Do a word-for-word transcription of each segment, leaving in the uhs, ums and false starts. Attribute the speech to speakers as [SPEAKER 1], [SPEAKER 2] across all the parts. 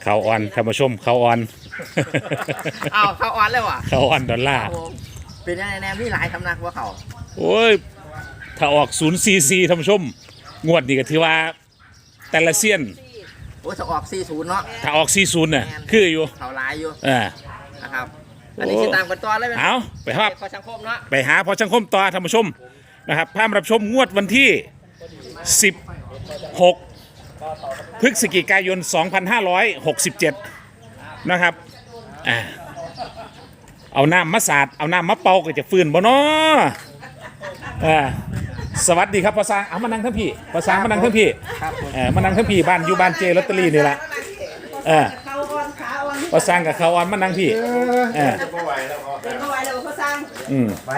[SPEAKER 1] เขาออนท่านผู้ชมเขาออน
[SPEAKER 2] อ้าวเขาออนเลยว่ะ
[SPEAKER 1] เขาออนดอลลาร์
[SPEAKER 2] เป็นยังไงแนมนี่หลายคำนักว่าเขา
[SPEAKER 1] โอ้ยถ้าออกศูนย์ซีซีท่านผู้ชมงวดนี้ก็ถือว่าแต่ละเซียน
[SPEAKER 2] โอ้จะออกสี่ศูนย์เนาะ
[SPEAKER 1] ถ้าออกซีศูนย์น่ะคืออยู่
[SPEAKER 2] เขาหลายอยู่
[SPEAKER 1] อ่า
[SPEAKER 2] นะครับอันนี้ติดตามกันต่อเลยไหม
[SPEAKER 1] เอาไปครับ
[SPEAKER 2] พอสังคมเนาะ
[SPEAKER 1] ไปหาพอสังคมต่อท่านผู้ชมนะครับพามารับชมงวดวันที่สิบหกพฤศจิกายนสองพันห้าร้อยหกสิบเจ็ดนะครับอ่าเอาน้ำมาสาดเอาน้ำมาเป่าก็จะฟื้นบ่เนาะอ่าสวัสดีครับพ่อสร้างเอามานั่งทั้งพี่พ่อสร้างมานั่งทั้งพี่เออมานั่งทั้งพี่บ้านอยู่บ้านเจลอตเตอรี่นี่แหละเออพ่อสร้างกับเขาออนมานั่งพี่เออ
[SPEAKER 3] เป็นเข้าไว้แล้วเขาสร้าง
[SPEAKER 1] อืม
[SPEAKER 4] ไป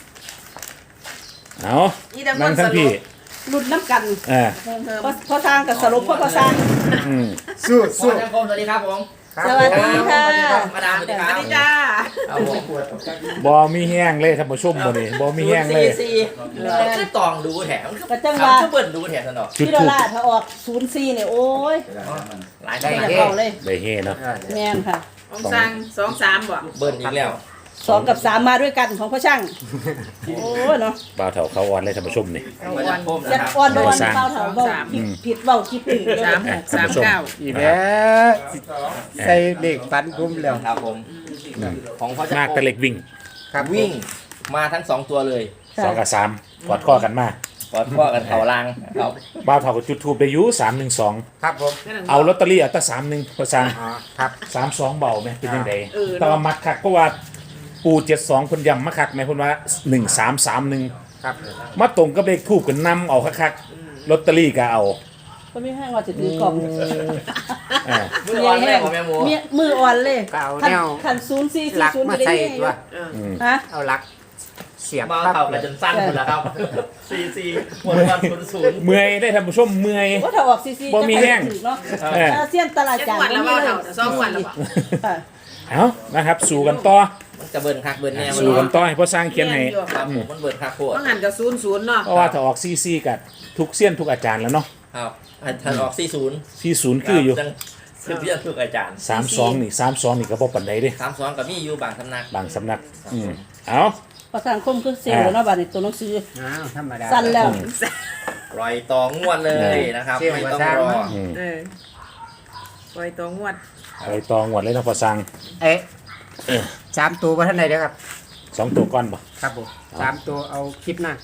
[SPEAKER 1] เอานั่งทั้งพี่
[SPEAKER 3] รุ่นน้ำกัน
[SPEAKER 1] เออ
[SPEAKER 3] พอพอสร้างกับสรุปพอพอสร้าง
[SPEAKER 1] อืม
[SPEAKER 4] สู้
[SPEAKER 2] พอ
[SPEAKER 4] สู้
[SPEAKER 2] สังคมสวัสดีครับผม
[SPEAKER 3] สวัสดีค่ะ
[SPEAKER 2] มาดามสวัสดีครับ
[SPEAKER 3] จ้า
[SPEAKER 2] เอาผม
[SPEAKER 1] บอมีแห้งเลยท่านผู้ชมบ่นี่บอมีแห้งเลย
[SPEAKER 2] สี่คือตองดูแถม
[SPEAKER 3] กระจังว่า
[SPEAKER 2] คือเปิดดูแถมสนอ
[SPEAKER 1] จุด
[SPEAKER 3] พี่ดอ
[SPEAKER 1] ทู
[SPEAKER 3] ล
[SPEAKER 1] บ
[SPEAKER 3] ลาร์ถ้าออกศูนย์สี่เนี่ยโอ้ย
[SPEAKER 2] หลาย
[SPEAKER 3] ไม่
[SPEAKER 2] ได้
[SPEAKER 3] อยากเอาเลย
[SPEAKER 1] ได้เฮเนาะ
[SPEAKER 3] แม่นค่ะ
[SPEAKER 5] ของสร้างสองสามบ่
[SPEAKER 2] เบิร์นอีกแล้ว
[SPEAKER 3] สองกับสามมาด้วยกันของพ่อช่างโอ้ยเนาะ
[SPEAKER 1] บ่าวเถาเขาอ่อนเลยท่านผู้ชมนี่
[SPEAKER 2] มาสังคม
[SPEAKER 3] ยั
[SPEAKER 2] นะ
[SPEAKER 3] ด
[SPEAKER 2] ครับ
[SPEAKER 3] อ่อนบอล
[SPEAKER 1] สาม
[SPEAKER 3] เบาเถาเบาผิดผิดเบาคิดผิดเลย
[SPEAKER 5] สาม
[SPEAKER 1] อ่ะ
[SPEAKER 5] สาม
[SPEAKER 1] ท่านผู้ชม
[SPEAKER 5] เก้า
[SPEAKER 4] อีแม่ใส่เด็กฟันคุ้มแล้ว
[SPEAKER 2] ครับผมของพ่อจะ
[SPEAKER 1] มากแต่เล็กวิ่ง
[SPEAKER 4] ครับ
[SPEAKER 2] วิ่งมาทั้งสองตัวเลย
[SPEAKER 1] สองกับสามกอดข้อกันมา
[SPEAKER 2] กอดข้อกันเขาลางครับ
[SPEAKER 1] บ่าวเถากับจุดทูบได้อยุสามหนึ่งสอง
[SPEAKER 4] ครับผม
[SPEAKER 1] เอาลอตเตอรี่เอาแตั้สามหนึ่งพอสร้าง
[SPEAKER 4] อ๋อครับ
[SPEAKER 1] สามสองเบาไหมเป็นยังไงแต่ว่ามักคักเพราะว่าปูเจ็ดสองคนยำมาคักไหมคนว่าหนึ่งสามสามหนึ่ง
[SPEAKER 4] ครับ
[SPEAKER 1] มาตรงกับเลขทูบกันนำเอาคักๆลอตเตอรี่ก็เอา
[SPEAKER 3] ก็ไม่ให้ว่าจะถือกล่อง
[SPEAKER 1] อ่า
[SPEAKER 2] มืออ่อนแรงของแม่หมู
[SPEAKER 3] เมียมืออ่อนเลย
[SPEAKER 4] ก็เอา
[SPEAKER 3] ขัน
[SPEAKER 4] แนว
[SPEAKER 3] ขันศูนย์สี่สี่
[SPEAKER 4] หลัก
[SPEAKER 3] ศูนย์
[SPEAKER 4] มา
[SPEAKER 3] จะได้
[SPEAKER 4] ใส่
[SPEAKER 3] ยังไง
[SPEAKER 4] ตัว
[SPEAKER 3] ฮะ
[SPEAKER 4] เอาหลักเสียบ
[SPEAKER 2] มา
[SPEAKER 4] ปั๊บ
[SPEAKER 2] เข่า
[SPEAKER 4] เล
[SPEAKER 2] กัน
[SPEAKER 4] ย
[SPEAKER 2] จนสั้นหมดแล้วครับซีซีหมดวันศูนย์ศูนย์
[SPEAKER 1] เมื่อยได้ท่านผู้ชมเมื่อย
[SPEAKER 3] ว่าถ้าออกซีซี
[SPEAKER 1] บ่มีแห้ง
[SPEAKER 3] ถือเนาะ
[SPEAKER 1] เออ
[SPEAKER 3] อาเซียนตลาด
[SPEAKER 5] เจ็ด
[SPEAKER 3] จาน
[SPEAKER 5] วันแล้ว
[SPEAKER 3] บ่
[SPEAKER 5] ว่า
[SPEAKER 3] มี
[SPEAKER 5] เท่า
[SPEAKER 3] เลย
[SPEAKER 5] สองวันแล้วบ่
[SPEAKER 3] ค่ะ
[SPEAKER 1] เอานะครับ สู่กันต่อ
[SPEAKER 2] มันจะเบิร์นคักเบิร์นแน่มัน
[SPEAKER 1] สู่กันต่อให้พ่อสร้างเขียนให้
[SPEAKER 2] ครับผมมันเบิร์นคักโคตร
[SPEAKER 5] ต้องหันกับศูนย์ศูนย์เนาะ
[SPEAKER 1] เพราะว่าถ้าออกซีซีกับทุกเสี้ยนทุกอาจารย์แล้วเนาะ
[SPEAKER 2] ครับถ้าออกซีศูนย์
[SPEAKER 1] ซีศูนย์คืออยู่
[SPEAKER 2] คือเพื่อนทุกอาจารย์
[SPEAKER 1] สามสองนี่สามสองนี่ก็บ่ปันใดเด้
[SPEAKER 2] สามสองกับมีอยู่บางสำนัก
[SPEAKER 1] บางสำนักอืมเอา
[SPEAKER 3] ประธานคมคือเซลล์เนาะบัดนี้ตัวหนังสือ
[SPEAKER 4] อ้าวธรรมดา
[SPEAKER 3] สั้นแล้ว
[SPEAKER 2] รอยตองงวดเลยนะครับ
[SPEAKER 4] เสี่ยง
[SPEAKER 2] ไม่
[SPEAKER 4] กว่า
[SPEAKER 2] ต้อง
[SPEAKER 4] สร้าง
[SPEAKER 2] รอ
[SPEAKER 1] อืม
[SPEAKER 5] เออปล่อยตัวงวด
[SPEAKER 1] อะไรตองหวดเลยเนาะพ่อสร้าง
[SPEAKER 4] เอ๊ะสามตัวมาท่านไหนเด้อครับ
[SPEAKER 1] สองตัวก้อนบ่
[SPEAKER 4] ครับผมสามตัวเอาคลิปหน้า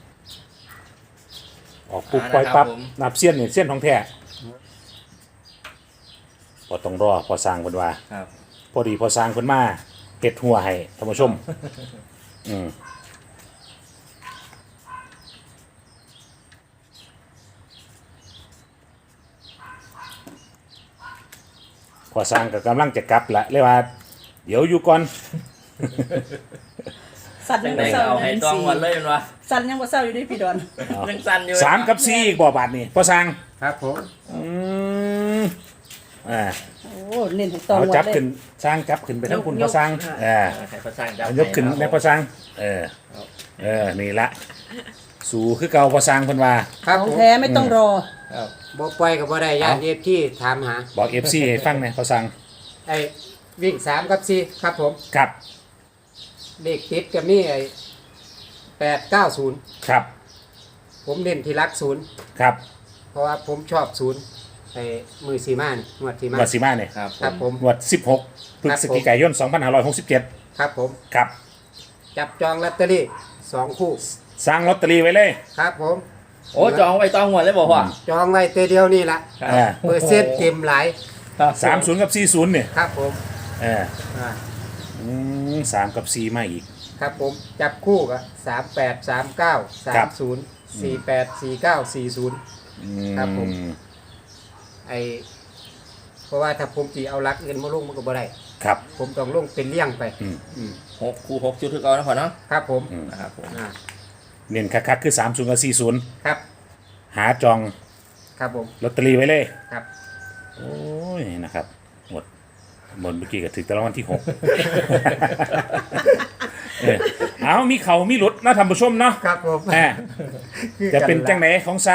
[SPEAKER 1] ออกปุ๊บปล่อยปั๊บนับเสี้ยนนี่เสี้ยนของแท้พอต้องรอพอสร้างเพิ่นว่า
[SPEAKER 2] ครับ
[SPEAKER 1] พอดีพอสร้างเพิ่นมาเฮ็ดหัวให้ท่านผู้ชมอืมพอสร้างก็กำลังจะกลับละเลยว่า เดี๋ยวอยู่ก่อน
[SPEAKER 3] สั้น
[SPEAKER 2] จั
[SPEAKER 3] ยัง ง
[SPEAKER 2] ได
[SPEAKER 3] บ่
[SPEAKER 2] ก็
[SPEAKER 3] เศร้า
[SPEAKER 2] เอาให้ตองงวดเลยมันวะ
[SPEAKER 3] สั้นยังบ่เศร้าอยู่ด้วยพี่ดอน
[SPEAKER 2] ยังสั้นอยู่
[SPEAKER 1] สามกับสี่อีกบ่บาทนี่พอสร้าง
[SPEAKER 4] ครับผม
[SPEAKER 1] อืมอ่า
[SPEAKER 3] โอ้เน้นให้ตอง
[SPEAKER 1] เอา
[SPEAKER 3] หมด
[SPEAKER 1] จับ
[SPEAKER 3] เลย
[SPEAKER 1] ขึ้นสร้างจับขึ้นไปทั้งคุณพอสร้างเอ่า
[SPEAKER 2] ให้พระสร้างจับ
[SPEAKER 1] เอายกขึ้นในพอสร้างเออเออนี่ละสู่คือเก่าพอสร้างเพิ่นว่า
[SPEAKER 4] ครับ
[SPEAKER 3] ของ
[SPEAKER 4] ผม
[SPEAKER 3] แท้ไม่ต้องรอ
[SPEAKER 2] ครับ
[SPEAKER 4] บ่ปล่อยกับบ่ได้ญาติเอฟที่ถามหา
[SPEAKER 1] บอก เอฟ ซี ให้ฟังหน่อยพอสร้าง
[SPEAKER 4] ไอ้วิ่งสามกับสี่ครับผม
[SPEAKER 1] ครับ
[SPEAKER 4] เลขติดกับนี่ไอ้แปดเก้าศูนย์
[SPEAKER 1] ครับ
[SPEAKER 4] ผมเน้นที่รักศูนย์
[SPEAKER 1] ครับ
[SPEAKER 4] เพราะว่าผมชอบศูนย์ไอ้มือสีมานี่งวดสีมา
[SPEAKER 1] วัดสีมาเนี่ย
[SPEAKER 2] ครับ
[SPEAKER 4] ครับผม
[SPEAKER 1] งวดสิบหกพฤศจิกายนสองพันห้าร้อยหกสิบเจ็ด
[SPEAKER 4] ครับผม
[SPEAKER 1] ครับ
[SPEAKER 4] จับจองลอตเตอรี่สองคู่
[SPEAKER 1] สร้างลอตเตอรี่ไว้เลย
[SPEAKER 4] ครับผม
[SPEAKER 2] โอ้จองไว้ตองงวดเลยบอกว่า
[SPEAKER 4] จองไว้ตัวเดียวนี่ละ
[SPEAKER 1] อ่า
[SPEAKER 4] เปอร์เซ็นต์เต็มหลาย
[SPEAKER 1] สามศูนย์กับสี่ศูนย์เนี่ย
[SPEAKER 4] ครับผม
[SPEAKER 1] เออ
[SPEAKER 4] อ่า
[SPEAKER 1] อืมสามกับสี่มาอีก
[SPEAKER 4] ครับผมจับคู่กับสามแปดสามเก้าสา
[SPEAKER 1] ครั
[SPEAKER 4] ม
[SPEAKER 1] บ
[SPEAKER 4] ศูนย์สี่แปดสี่เก้าสี่ศูนย์
[SPEAKER 1] อื
[SPEAKER 4] ครับผม
[SPEAKER 1] ม
[SPEAKER 4] ไอเพราะว่าถ้าผมจีเอารักเงินมาลงมันก็บ่ได้
[SPEAKER 1] ครับ
[SPEAKER 4] ผมต้องลงเป็นเลี่ยงไป
[SPEAKER 1] อืม
[SPEAKER 4] อืม
[SPEAKER 2] หกคู่หกชุดคือเอานะพ่อเนาะ
[SPEAKER 4] ครับผม
[SPEAKER 1] อืม
[SPEAKER 2] นะครับผม
[SPEAKER 4] อ่า
[SPEAKER 1] เน้นคักๆคือสามศูนย์กับสี่ศูนย์
[SPEAKER 4] ครับ
[SPEAKER 1] หาจอง
[SPEAKER 4] ครับผม
[SPEAKER 1] ลอตเตอรี่ไว้เลย
[SPEAKER 4] ครับ
[SPEAKER 1] โอ้ยนะครับหมดหมดเมื่อกี้ก็ถึงแต่ละวันที่หก เออเอามีเขามีหลุดนะท่านผู้ชมเนาะ
[SPEAKER 4] ครับผม
[SPEAKER 1] แหม
[SPEAKER 4] คือ
[SPEAKER 1] จะ
[SPEAKER 4] กั
[SPEAKER 1] เป็นจังไหนของสร้าง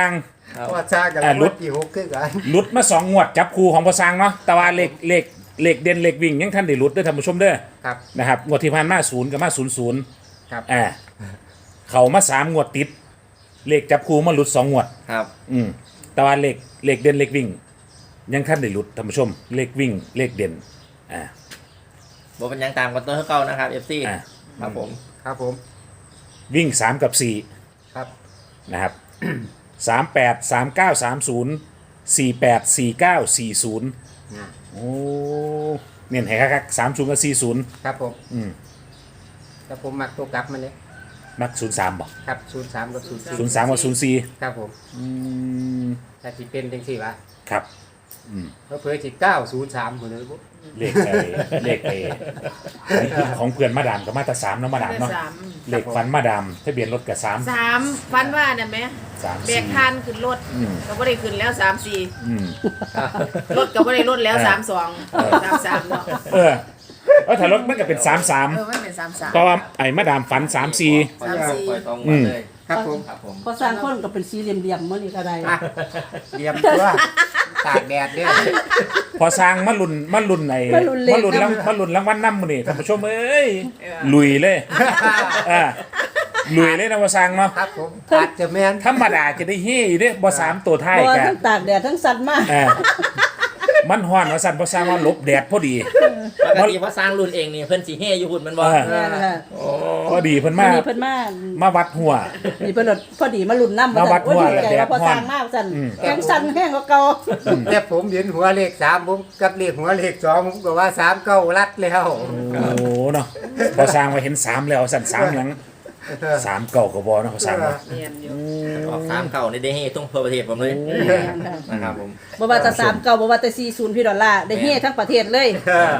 [SPEAKER 2] ครับ
[SPEAKER 4] เพราะว่าสร้างกับ
[SPEAKER 1] อ่า
[SPEAKER 4] เรา
[SPEAKER 1] รุด
[SPEAKER 4] กี่หกคือกัน
[SPEAKER 1] หลุดมาสองงวดจับคู่ของพอสร้างเนาะแต่ว่าเลขเลขเลขเด่นเลขวิ่งยังท่านได้หลุดเด้อท่านผู้ชมเด้อ
[SPEAKER 4] ครับ
[SPEAKER 1] นะครับงวดที่ผ่านมาศูนย์กับมาศูนย์ศูนย์
[SPEAKER 4] ครับ
[SPEAKER 1] อ่าเขามาสามงวดติด เลขจับคู่มาหลุดสองงวด
[SPEAKER 2] ครับ
[SPEAKER 1] อืมแต่ว่าเลขเลขเด่นเลขวิ่ง ยังท่านได้หลุดท่านผู้ชม เลขวิ่งเลขเด่นอ่า
[SPEAKER 2] บเป็นหยังตามกันตัวเก่านะครับ เอฟ ซี
[SPEAKER 1] อ่า
[SPEAKER 2] ครับผม
[SPEAKER 4] ครับผม
[SPEAKER 1] วิ่งสามกับสี่
[SPEAKER 4] ครับ
[SPEAKER 1] นะครับ สามแปดสามเก้าสามศูนย์สี่แปดสี่เก้าสี่ศูนย์
[SPEAKER 4] นะ
[SPEAKER 1] โอ้เน้นให้คักๆสามศูนย์กับสี่ศูนย์
[SPEAKER 4] ครับผม
[SPEAKER 1] อืม
[SPEAKER 4] แต่ผมมักตัวกลับมันเลย
[SPEAKER 1] มักศูนย์สามบ่
[SPEAKER 4] ครับศูนย์สามกับศูนย์สี่
[SPEAKER 1] ศูนย์สามกับศูนย์สี่
[SPEAKER 4] ครับผม
[SPEAKER 1] อืม
[SPEAKER 4] ถ้าสิเป็นจังสี่วะ
[SPEAKER 1] ครับ
[SPEAKER 4] เพราะเพื่อสิเก้าศูนย์สามคนเลยบุ๊
[SPEAKER 1] เลขไอ้เลขไอ้ของเพื่อนมาดามกับมาตราสามเนาะมาดามเนาะ
[SPEAKER 5] สาม
[SPEAKER 1] เลขฟันมาดามทะเบียนรถกับสาม
[SPEAKER 5] สามฟันว่าเนี่ยไหม
[SPEAKER 1] สาม
[SPEAKER 5] แบ
[SPEAKER 1] สี่
[SPEAKER 5] กทานขึ้นรถ
[SPEAKER 1] อืม
[SPEAKER 5] ก็ไม่ได้ขึ้นแล้วสามสี่
[SPEAKER 1] อืม
[SPEAKER 5] รถก็ไม่ได้รถแล้ว
[SPEAKER 1] เออ
[SPEAKER 5] สามสองสามสามเนาะ
[SPEAKER 1] เออเออถ้ารถมันก็เป็นสามสาม
[SPEAKER 5] เออมันเป็นสามสาม
[SPEAKER 1] เพราะว่าไอ้มาดามฝันสามสี่
[SPEAKER 5] สามสี่
[SPEAKER 2] ปล่อยตรง
[SPEAKER 1] อื
[SPEAKER 2] มาม เลย
[SPEAKER 4] ครับผม
[SPEAKER 2] ครับผม
[SPEAKER 3] พอสร้างคนก็เป็นสี่เหลี่ยมๆมื้อนี้ก็ได้
[SPEAKER 4] อ่ะเตรียมตัวตากแดดเนี่ย
[SPEAKER 1] พอสร้างมาลุนมาลุนไอ้
[SPEAKER 3] มาลุ้นเลข
[SPEAKER 1] มาลุนรางมาลุนรางวัลน้ำมันนี่ท่านผู้ชมเอ้ยลุยเลยอ่าลุยเลยนะพอสร้างเนาะ
[SPEAKER 4] ครับผมอาจจะแม่น
[SPEAKER 1] ธรรมดาจะได้เฮ้ยเด้บ่สามตัวท้าย
[SPEAKER 3] บ่
[SPEAKER 1] กัน
[SPEAKER 3] ทั้งตากแดดทั้งสัตว์มาก
[SPEAKER 1] อ่ามันฮ้อนว่าสั่นพอสร้างว่าหลบแดดพอดี
[SPEAKER 2] ปกติพอสร้างรุ่นเองนี่เพิ่นสีเฮอยู่หุ่นมันบ่
[SPEAKER 1] เออ
[SPEAKER 3] แม่นค่ะ
[SPEAKER 1] พอดีเพิ่น
[SPEAKER 3] มื้
[SPEAKER 1] มา
[SPEAKER 3] อนี้เพิ่นมา
[SPEAKER 1] มาวัดหัว
[SPEAKER 3] นี่เพิ่นว่าพอดีมาลุ้นน้ำ
[SPEAKER 1] มาวัด
[SPEAKER 3] โอ้ย
[SPEAKER 1] หัว
[SPEAKER 3] ดีใจ
[SPEAKER 1] แดด
[SPEAKER 3] ว่าพอสร้าง
[SPEAKER 1] ฮ้อน
[SPEAKER 3] มากสั่น
[SPEAKER 1] อืม
[SPEAKER 3] แข็งสั่นแห้งกว่าเก่า
[SPEAKER 4] แต่ผมเห็นหัวเลขสามผมกับเลขหัวเลขสองผมก็ว่าสามเก้ารัดแล้ว
[SPEAKER 1] โอ้เนาะพอสร้างมาเห็นสามแล้วสั่นสามหลังสามเก่าก็บ่เนาะพอสร้างเนาะ
[SPEAKER 5] เรียนอยู่
[SPEAKER 2] ออกสามเก่าในเดเฮทุ่งทั่วประเทศผมเลย
[SPEAKER 3] แม่นค่ะ
[SPEAKER 2] นะครับผม
[SPEAKER 3] บ่ว่าจะสามเก่าบ่ว่าจะสี่ศูนย์พี่ดอลลาร์ได้เฮ็ดทั้งประเทศเลย
[SPEAKER 4] เออ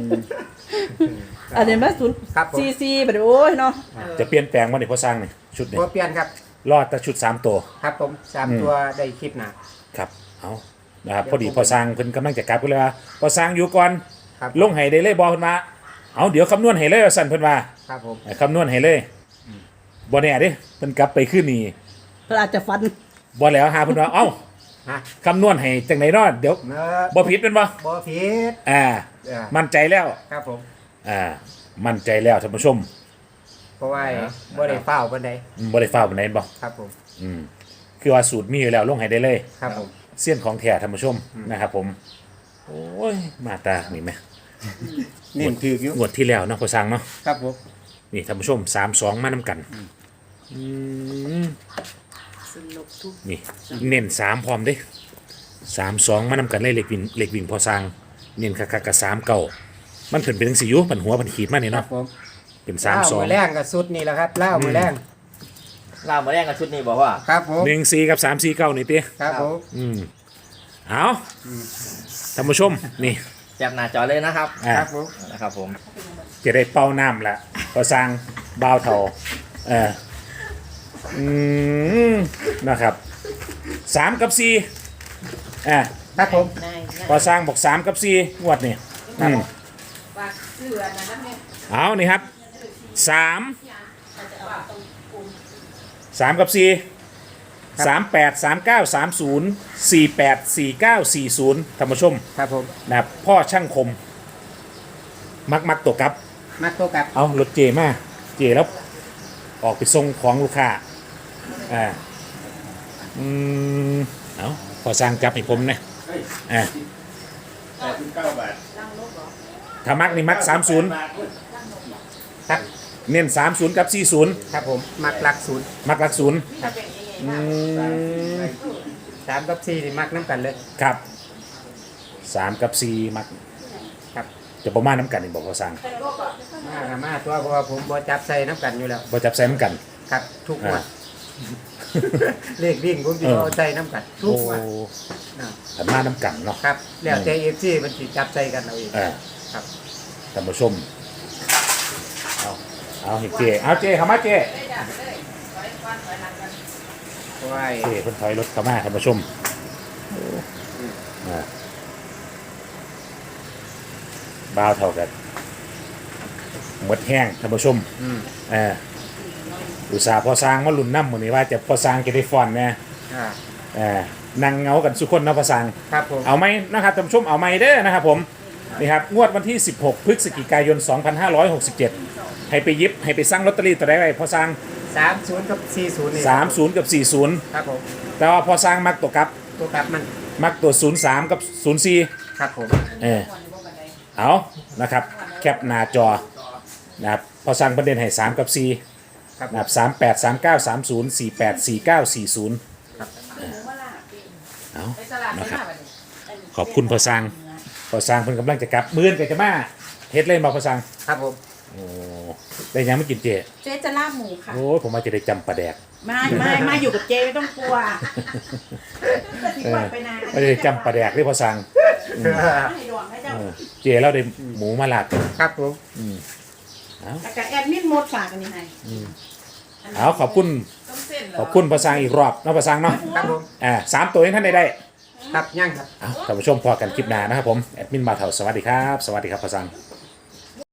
[SPEAKER 3] อันนี้มาศูนย์
[SPEAKER 4] ครับผม
[SPEAKER 3] สี่สี่บัดนี้โอ้ยเนาะ
[SPEAKER 1] จะเปลี่ยนแปลงบ่นี่พอสร้างนี่ชุดนี้
[SPEAKER 4] พอเปลี่ยนครับ
[SPEAKER 1] รอดแต่ชุดสามตัว
[SPEAKER 4] ครับผมสาม
[SPEAKER 1] อืม
[SPEAKER 4] ตัวได้คลิปหนา
[SPEAKER 1] ครับ เอานะครับพอดีพอสร้างเพิ่นกำลังจะกลับกันเลยว่าพอสร้างอยู่ก่อน
[SPEAKER 4] ครับ
[SPEAKER 1] ลงให้ได้เลยบอเพิ่นมาเอาเดี๋ยวคำนวณให้เลยว่าสั่นเพิ่นว่า
[SPEAKER 4] ครับผม
[SPEAKER 1] ให้คำนวณให้เลยบ่แน่เด้เพิ่นกลับไปคืนนี้
[SPEAKER 3] เพิ่นอาจจะฟัน
[SPEAKER 1] บ่แล้วหาเพิ่นว่าเอ้า
[SPEAKER 4] ฮะ
[SPEAKER 1] คำนวณให้จังไดเนาะเดี๋ยว
[SPEAKER 4] เนอะ
[SPEAKER 1] บ่ผิดเป็นบ่
[SPEAKER 4] บ่ผิด
[SPEAKER 1] อ่า
[SPEAKER 4] เออ
[SPEAKER 1] มั่นใจแล้ว
[SPEAKER 4] ครับผม
[SPEAKER 1] อ่ามั่นใจแล้วท่านผู้ชม
[SPEAKER 4] เพราะว่าบ่ได้เฝ้าบันได
[SPEAKER 1] อืมบ่ได้ฟ้าวปานใดบ่
[SPEAKER 4] ครับผม
[SPEAKER 1] อืมคือว่าสูตรมีอยู่แล้วลงให้ได้เลย
[SPEAKER 4] ครับผม
[SPEAKER 1] เสี้ยนของแท้ท่านผู้ชมนะครับผมโอ้ยมาตานี่แหม
[SPEAKER 4] เน้นถืออยู่
[SPEAKER 1] งวดที่แล้วเนาะพอสร้างเนาะ
[SPEAKER 4] ครับผม
[SPEAKER 1] นี่ท่านผู้ชมสามสองมานํกันอืม
[SPEAKER 5] สนุกทุก
[SPEAKER 1] นี่เน้นสามพร้อมเด้สามสองมานำกันเลยเหล็กวิ่งเหล็กวิ่งพอสร้างเน้นคักๆกับสามเก่ามันเพิ่นเป็นจังซี่อยู่ปันหัวปันขีดมานี่
[SPEAKER 4] ครั
[SPEAKER 1] เนาะ
[SPEAKER 4] บผม
[SPEAKER 1] เป็นสาม
[SPEAKER 4] เล่า
[SPEAKER 1] สอง
[SPEAKER 4] มือแรงกับสุดนี่แหละครับเล่ามือแรง
[SPEAKER 2] ลาบมาแรกกับชุดนี้บอกว่า
[SPEAKER 4] ครับผม
[SPEAKER 1] หนึ่งสี่กับสามสี่เก้านี่ติ
[SPEAKER 4] ครับผม
[SPEAKER 1] อืมเอาท่านผู้ชมนี่
[SPEAKER 2] จับหน้าจอเลยนะครับ
[SPEAKER 1] อ่า
[SPEAKER 4] ครับผม
[SPEAKER 2] นะครับผม
[SPEAKER 1] จะได้เป้าน้ำละพอสร้างบ่าวเท่าเอออืมนะครับสามกับสี่อ่า
[SPEAKER 4] ครับผม
[SPEAKER 5] นาย
[SPEAKER 1] พอสร้างบอกสามกับสี่งวดนี่อืม
[SPEAKER 5] ฝากเสื้อนะนะแม่
[SPEAKER 1] เอานี่ครับสามสามกับสี่สามแปดสามเก้าสามศูนย์สี่แปดสี่เก้าสี่ศูนย์ท่านผู้ชม
[SPEAKER 4] ครับผม
[SPEAKER 1] นะครับพ่อช่างคม มักมักตัวกับ
[SPEAKER 4] มักตัวกับ
[SPEAKER 1] เอารถเจมาเจแล้ว ออกไปส่งของลูกค้าอ่าอืมเอาพอสร้างจับให้ผมนะอ่าถ้ามักนี่มักสามศูนย์
[SPEAKER 4] ครับ
[SPEAKER 1] เน้นสามศูนย์กับสี่ศูนย์
[SPEAKER 4] ครับผมมักหลักศูนย์
[SPEAKER 1] มักหลักศูนย์ อืม
[SPEAKER 4] สามกับสี่นี่มักน้ำกันเลย
[SPEAKER 1] ครับสามกับสี่มัก
[SPEAKER 4] ครับ
[SPEAKER 1] จะประมาณน้ำกันนี่บอกพอสร้าง
[SPEAKER 4] มากับมาตัวเพราะว่าผมบ่จับใส่น้ำกันอยู่แล้ว
[SPEAKER 1] บ่จับใส่น้ำกัน
[SPEAKER 4] ครับ ทุกงวด
[SPEAKER 1] อ่า
[SPEAKER 4] เลขวิ่งผมจะ
[SPEAKER 1] เออ
[SPEAKER 4] เอาใส่น้ำกันทุ
[SPEAKER 1] โอ้
[SPEAKER 4] กงวดนะ
[SPEAKER 1] ขันมาน้ำกันเนาะ
[SPEAKER 4] ครับแล้วแต่เอฟซีมันสิจับใส่กันเอาเอง
[SPEAKER 1] เออ
[SPEAKER 4] ครับ
[SPEAKER 1] ท่านผู้ชมเอาเอาให้เจเอาเจเข้ามาเจ
[SPEAKER 4] เพราะว่า
[SPEAKER 1] เจเพิ่นถอยรถเข้ามาท่านผู้ชมอ่าบ้าวเท่ากันหมดแห้งท่านผู้ชม
[SPEAKER 4] อืม
[SPEAKER 1] เอออุตส่าห์พอสร้างมาลุ่นน้ำหมดนี่ว่าจะพอสร้างจะได้ฟอนนะ
[SPEAKER 4] อ่า
[SPEAKER 1] เอ่อนั่งเหงากันสุกคนเนาะพอสั่ง
[SPEAKER 4] ครับผม
[SPEAKER 1] เอาไหมนะครับท่านผู้ชมเอาไหมเด้อนะครับผมนี่ครับงวดวันที่ สิบหก พฤศจิกายน สองพันห้าร้อยหกสิบเจ็ด ให้ไปหยิบให้ไปสั่งลอตเตอรี่ตัวใดไว้พอสั่ง
[SPEAKER 4] สามศูนย์กับสี่ศูนย์นี่
[SPEAKER 1] สามสิบกับสี่สิบ
[SPEAKER 4] ครับผม
[SPEAKER 1] แต่ว่าพอสั่งมักตัวกลับ
[SPEAKER 4] ตัวกลับมัน
[SPEAKER 1] มักตัวศูนย์สามกับศูนย์สี่
[SPEAKER 4] ครับผม
[SPEAKER 1] เออเอานะครับแคปหน้าจอนะครับพอสั่งประเด็นให้สามกับสี่
[SPEAKER 4] ครับผม
[SPEAKER 1] นะครับสามแปดสามเก้าสามศูนย์สี่แปดสี่เก้าสี่ศูนย์เอา
[SPEAKER 5] ไปตลาด
[SPEAKER 1] นะครับ
[SPEAKER 5] ไปมาบัดนี้
[SPEAKER 1] ขอบคุณพอสั่งพอสั่งเพิ่นกำลังจะกลับมื้อนก็จะมาเฮ็ดเล่นมาพอสั่ง
[SPEAKER 4] ครับผม
[SPEAKER 1] โอ้ได้ยังไม่กินเจ
[SPEAKER 3] เจ๊จะลาบหมูค่ะ
[SPEAKER 1] โอ้ยผมมาจะได้จำปลาแดก
[SPEAKER 3] ไม่ไม่ไม่อยู่กับเจ๊ไม่ต้องกลัวที่ปล่อยไปนาน
[SPEAKER 1] ไม่ได้จำปลาแดกได้พอสั่ง
[SPEAKER 3] ให้ดวงให้เจ้า
[SPEAKER 1] เออเจแล้วได้หมูมาลาด
[SPEAKER 4] ครับผม
[SPEAKER 3] แต่กับแอดมินหมดฝากอันนี้ให้
[SPEAKER 1] เอาขอบคุณ
[SPEAKER 5] ต้องเส้นเหรอ
[SPEAKER 1] ขอบคุณพอสั่งอีกรอบเนาะพอสั่งเนาะ
[SPEAKER 4] ครับผม
[SPEAKER 1] อ่าสามตัวให้ท่านได้ได้
[SPEAKER 4] ครับย่างครับ
[SPEAKER 1] เอาท่านผู้ชมพอกันคลิปหน้านะครับผมแอดมินมาเถาสวัสดีครับ สวัสดีครับพอสั่ง